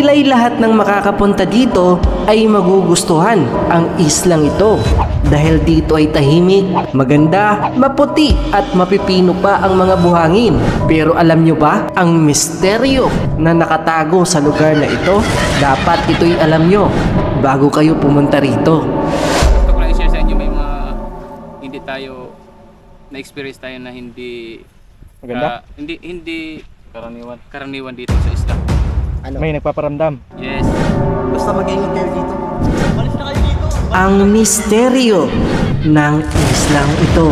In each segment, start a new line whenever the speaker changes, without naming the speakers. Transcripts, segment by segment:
Tila'y lahat ng makakapunta dito ay magugustuhan ang islang ito. Dahil dito ay tahimik, maganda, maputi at mapipino pa ang mga buhangin. Pero alam nyo ba ang misteryo na nakatago sa lugar na ito? Dapat ito'y alam nyo bago kayo pumunta rito.
Gusto ko lang i-share sa inyo, may mga hindi tayo na-experience tayo na hindi
Maganda?
hindi karaniwan dito sa isla.
May nagpaparamdam.
Yes.
Basta mag-ingat kayo dito. Malis na kayo dito.
Ang misteryo ng islang ito.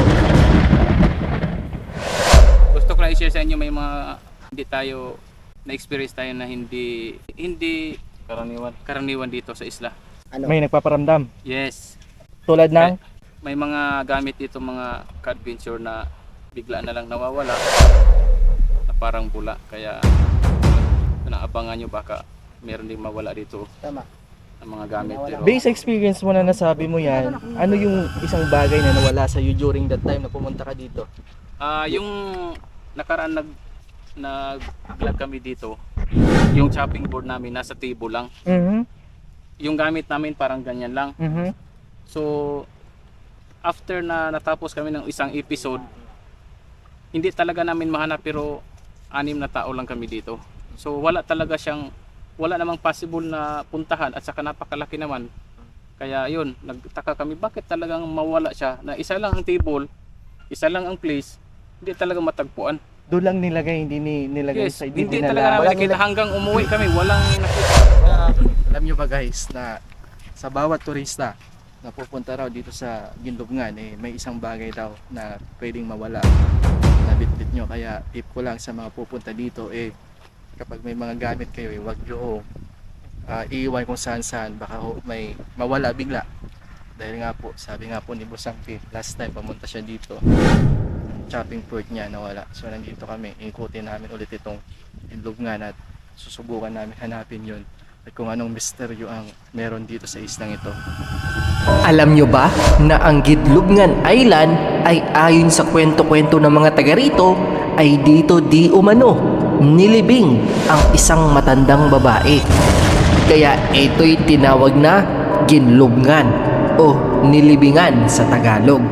Gusto ko lang i-share sa inyo, may mga hindi tayo na-experience tayo na hindi karaniwan dito sa isla.
May nagpaparamdam.
Yes.
Tulad ng
May mga gamit dito, mga ka-adventure na bigla na lang nawawala na parang bula, kaya naabangan nyo baka meron ding mawala dito.
Tama.
Ang mga gamit. Pero
base experience mo na nasabi mo yan, ano yung isang bagay na nawala sa you during that time na pumunta ka dito?
yung nakaraan nag-vlog kami dito, yung chopping board namin nasa table lang. Yung gamit namin parang ganyan lang. So after na natapos kami ng isang episode, hindi talaga namin mahanap, pero 6 na tao lang kami dito. So wala namang possible na puntahan, at saka napakalaki naman. Kaya yun, nagtaka kami bakit talagang mawala siya, na isa lang ang table, isa lang ang place, hindi talaga matagpuan.
Doon lang nilagay, hindi nilagay
Yes,
sa
hindi talaga namin nakita hanggang umuwi kami, walang nakita.
Alam nyo ba guys na sa bawat turista na pupunta raw dito sa Ginlubngan, may isang bagay daw na pwedeng mawala na bitbit nyo. Kaya tip ko lang sa mga pupunta dito, kapag may mga gamit kayo, wag nyo iiwan kung saan baka may mawala bigla. Dahil nga po, sabi nga po ni Busangki, last time pumunta siya dito, chopping board niya nawala. So nandito kami, ikutin namin ulit itong Ginlubngan at susubukan namin hanapin yun at kung anong misteryo ang meron dito sa islang ito.
Alam nyo ba na ang Ginlubngan Island ay ayon sa kwento-kwento ng mga taga rito ay dito di umano nilibing ang isang matandang babae. Kaya ito'y tinawag na Ginlubngan o nilibingan sa Tagalog.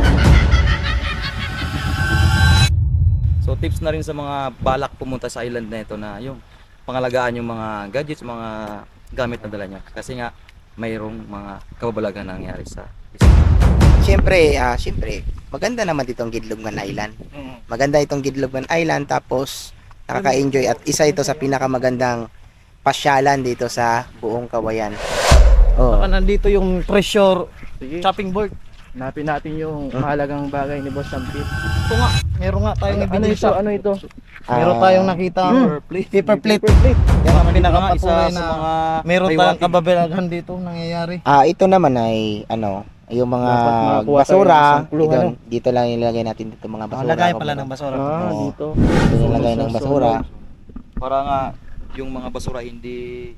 So tips na rin sa mga balak pumunta sa island na ito na yung pangalagaan yung mga gadgets, mga gamit na dala niya. Kasi nga mayroong mga kababalagan na nangyari sa isla.
Siyempre, maganda naman dito ang Ginlubngan Island. Maganda itong Ginlubngan Island, tapos nakaka-enjoy at isa ito sa pinakamagandang pasyalan dito sa buong Kawayan. Oh.
Nandito yung treasure
Sige,
chopping board.
hanapin natin yung mahalagang bagay ni Boss Sampit.
Ito nga, meron nga tayong ebidensya.
Ano ito?
Meron tayong nakita paper plate. Yan ang pinakapatunay
Isa
na
sa mga
meron tayong
pahiwatig.
kababalagan dito nangyayari.
Ito naman ay yung mga
Dapat makakuha tayo ng
basura,
isang clue,
dito lang ilalagay natin dito mga basura.
Lagay pala ng basura.
Oo.
Dito.
Dito nilagay ng basura.
Para nga yung mga basura hindi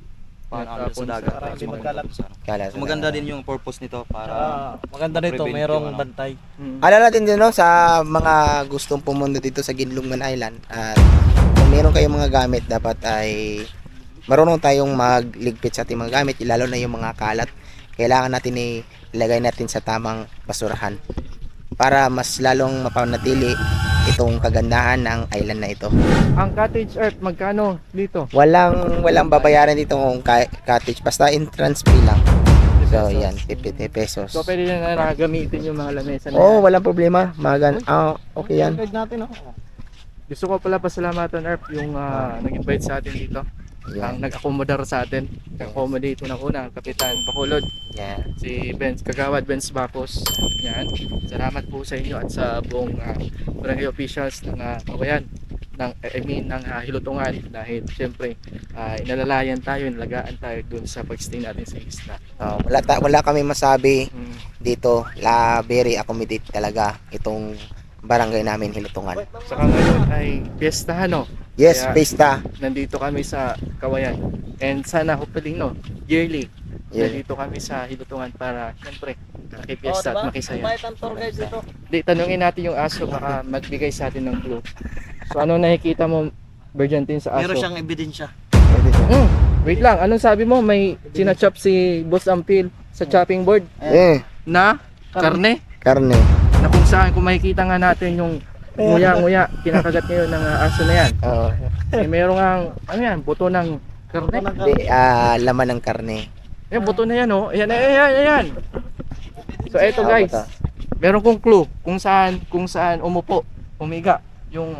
paano sa dagat.
Para hindi
So,
magkalat.
Kala
So, maganda din yung purpose nito para
Maganda nito,
prevent
merong
yung
bantay.
Alala natin din sa mga gustong pumunta dito sa Ginlubngan Island, at kung meron kayong mga gamit, dapat ay marunong tayong magligpit sa ating mga gamit, lalo na yung mga kalat. Kailangan natin ilagay natin sa tamang basurahan para mas lalong mapanatili itong kagandahan ng island na ito.
Ang cottage earth, magkano dito?
Walang babayaran dito kung cottage, basta entrance fee lang. So yan, 50 pesos.
So pwede na nakagamitin yung mga lamesa na
Oo,
yan.
walang problema. Okay yan.
Guide natin
Gusto ko pala pasalamatan Earth yung nag-invite sa atin dito.
Yan.
Ang nag-accommodate sa atin. Nag-accommodate unang-una, ang Kapitan Bacolod,
Yan.
si Benz Kagawad, Benz Bacos. Yan. Salamat po sa inyo at sa buong barangay officials ng Kawayan, ng Hilutungan, dahil siyempre inalalayan tayo, inalagaan tayo dun sa pag-stay natin sa isla.
Wala kami masabi dito. Very accommodate talaga itong barangay namin, Hilutungan.
Saka ngayon ay piyesta, no?
Yes,
Kaya,
pista.
Nandito kami sa Kawayan. And sana hopefully yearly nandito kami sa Hilutungan para siyempre makipiesta at makisaya.
Bayad ang tour guide dito.
Di, tanungin natin yung aso, baka magbigay sa atin ng clue. So ano nakikita mo, Bergantine, sa aso?
Meron siyang ebidensya.
Pwede siya.
Wait lang, anong sabi mo? May sinachop si Boss Ampil sa chopping board na karne?
Karne.
Na kung saan, kung makikita nga natin yung nguya-nguya, kinakagat ngayon ng aso na yan.
Oo.
Eh, merong ang, ano yan, buto ng karne.
Hindi, laman ng karne.
Ayan, buto na yan, oh. Ayan, ayan, ayan. So, eto guys,
Buto.
meron kong clue kung saan umupo, umiga yung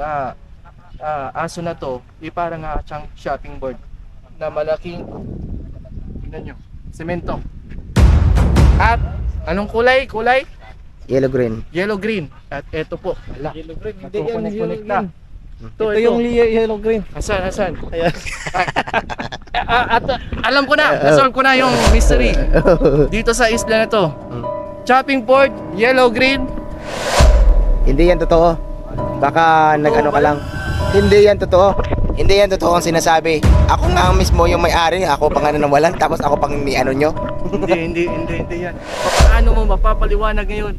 aso na to. Parang siyang shopping board na malaking, tingnan nyo, semento. At anong kulay? Kulay?
Yellow green.
Yellow green. At eto po, wala. Yellow green,
hindi yan yellow
na. Ito
yung yellow green.
Asan?
Ayan.
At alam ko na, nasolve ko na yung mystery dito sa isla na to. Chopping board, yellow green.
Hindi yan totoo. Baka nag-ano ka lang. Hindi yan totoo. Hindi yan totoo ang sinasabi. Ako nga mismo yung may-ari. Ako pa nga nawalan. Tapos ako pang ni ano nyo.
Hindi yan. Paano mo mapapaliwanag ngayon?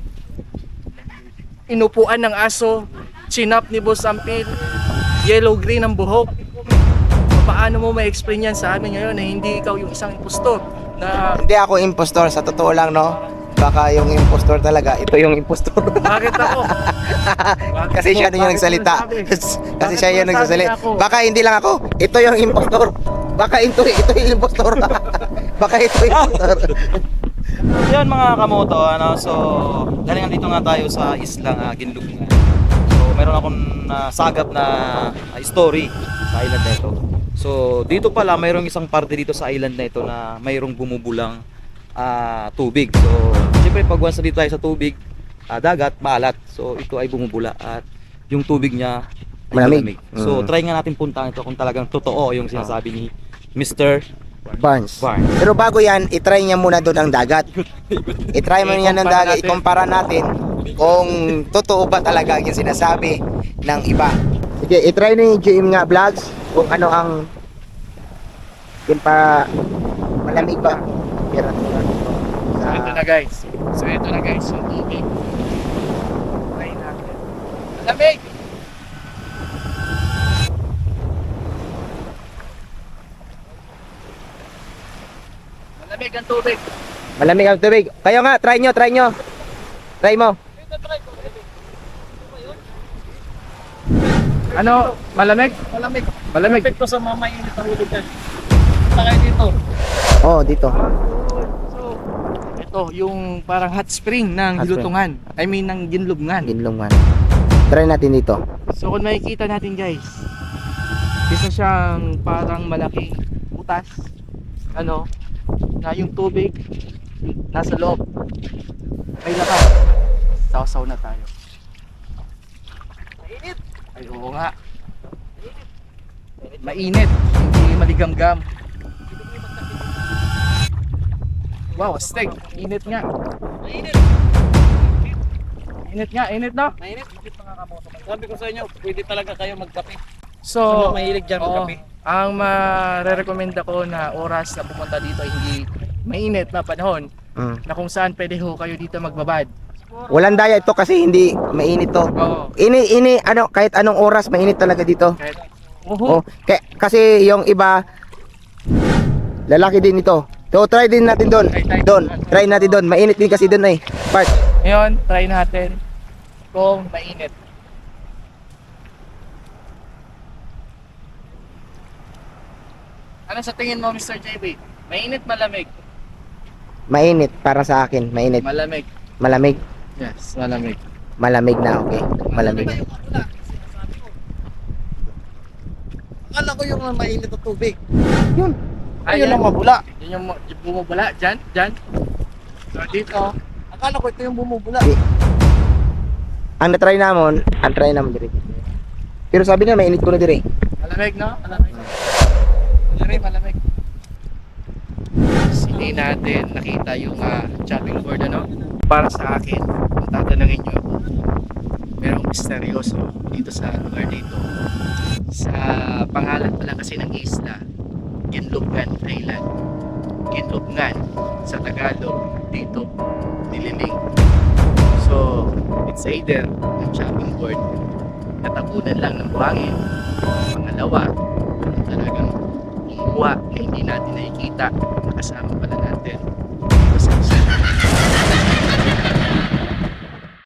Inupuan ng aso, chinap ni Boss Ampil, yellow green ang buhok. Paano mo ma-explain yan sa amin ngayon na hindi ikaw yung isang impostor na
Hindi ako impostor. Sa totoo lang, no? Baka yung impostor talaga. Ito yung impostor.
bakit ako?
Kasi siya na yung
Bakit
nagsalita.
mo nasabi?
Kasi siya yung
Bakit mo
nagsasalita.
nasabi ako?
Baka hindi lang ako. Ito yung impostor. Baka ito yung impostor. Baka ito yung impostor.
Yan mga kamoto, so galing dito nga tayo sa islang Ginlubngan. So meron akong sagap na story sa island na ito. So dito pala mayroong isang parte dito sa island na ito na mayroong bumubulang tubig. So siyempre pag once na dito tayo sa tubig, dagat, maalat. So ito ay bumubula at yung tubig niya ay
Malamig.
So try nga natin puntahan ito kung talagang totoo yung sinasabi ni Mr.
Barnes.
Barnes.
Pero bago yan, itry niya muna doon ang dagat. Itry mo niya ng dagat, ikumpara natin kung totoo ba talaga yung sinasabi ng iba. Sige, itry ni GM nga vlogs kung ano ang malamig ba.
ito na guys. So ito na guys, yung tubig. Try natin. Malamig! Malamig ang tubig.
Malamig ang tubig. Kayo nga, try nyo. Try mo.
Ano? Malamig?
Malamig.
Malamig.
Perfecto sa mga mainit ang ulo dyan. Punta kayo dito.
Oh, dito.
So, ito yung parang hot spring ng
Hot spring.
Hilutungan. I mean ng Ginlubngan.
Ginlungan. Try natin dito.
So kung makikita natin guys, isa siyang parang malaking butas, ano, na yung tubig nasa loob. May lakas. Sausaw na tayo. Mainit. Ay oo nga. Mainit. Hindi maligamgam. Wow, steak. Init nga. Mainit. Init no?
Mainit. Sabi ko sa inyo, pwede talaga kayo magkape.
So,
Mahilig dyan magkape.
ang marerekomenda ko na oras na pumunta dito ay hindi mainit na panahon na kung saan pwede ho kayo dito magbabad.
Walang daya ito kasi hindi mainit to.
Oo.
Kahit anong oras mainit talaga dito.
Kahit,
Oh, kasi yung iba lalaki din ito. So try din natin doon. Try natin doon. Mainit din kasi doon Part.
Ngayon, try natin kung mainit. Ano sa tingin mo, Mr. JB? Mainit, malamig?
Mainit para sa akin. Mainit.
Malamig.
Malamig.
Yes, malamig.
Malamig na, okay. Malamig.
Akala ko yung mainit na tubig.
Ayun ang mabula. Yun yung bumubula. Diyan. So dito,
Akala ko ito yung bumubula.
Ang try namin dire. Pero sabi na mainit ko na dire.
malamig, no? Malamig. Malamig. Hindi natin nakita yung chopping board, ano? Para sa akin, kung tatanungin nyo ako, merong misteryoso dito sa lugar dito. Sa pangalan pala kasi ng isla, Ginlubngan Island. Ginlubngan sa Tagalog, dito, Nililing. So, it's either yung chopping board, natabunan lang ng buhangin. Pangalawa, talagang kumuha ni hindi natin nakikita, kasama pala natin.